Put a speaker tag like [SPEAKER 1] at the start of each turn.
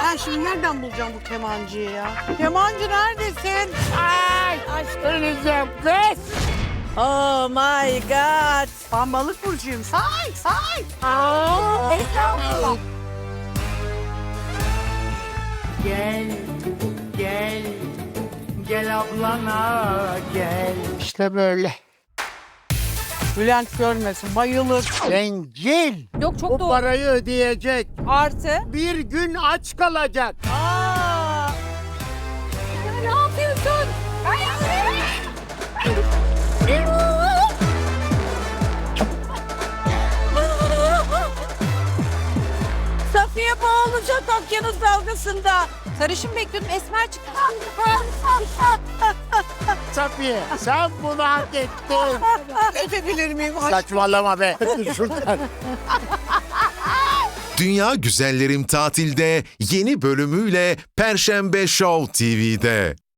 [SPEAKER 1] Ben şimdi nereden bulacağım bu kemancıyı ya? Kemancı neredesin?
[SPEAKER 2] Ay öleceğim kız.
[SPEAKER 3] Oh my god.
[SPEAKER 1] Ben balık burcuyum. Say say.
[SPEAKER 2] Estağfurullah. Gel, gel, gel ablana gel. İşte böyle.
[SPEAKER 1] Bülent görmesin, bayılır.
[SPEAKER 2] Bencil.
[SPEAKER 3] Yok çok
[SPEAKER 2] Bu
[SPEAKER 3] doğru.
[SPEAKER 2] parayı ödeyecek.
[SPEAKER 3] Artı.
[SPEAKER 2] Bir gün aç kalacak.
[SPEAKER 3] Aa. Ne yapıyorsun? Safiye boğulacak okyanus dalgasında. Sarışın bekliyordum, esmer çıktı.
[SPEAKER 2] Safiye sen bunu hak ettin.
[SPEAKER 1] Öpebilir miyim? Aşk.
[SPEAKER 2] Saçmalama be. Şuradan.
[SPEAKER 4] Dünya Güzellerim tatilde yeni bölümüyle Perşembe Show TV'de.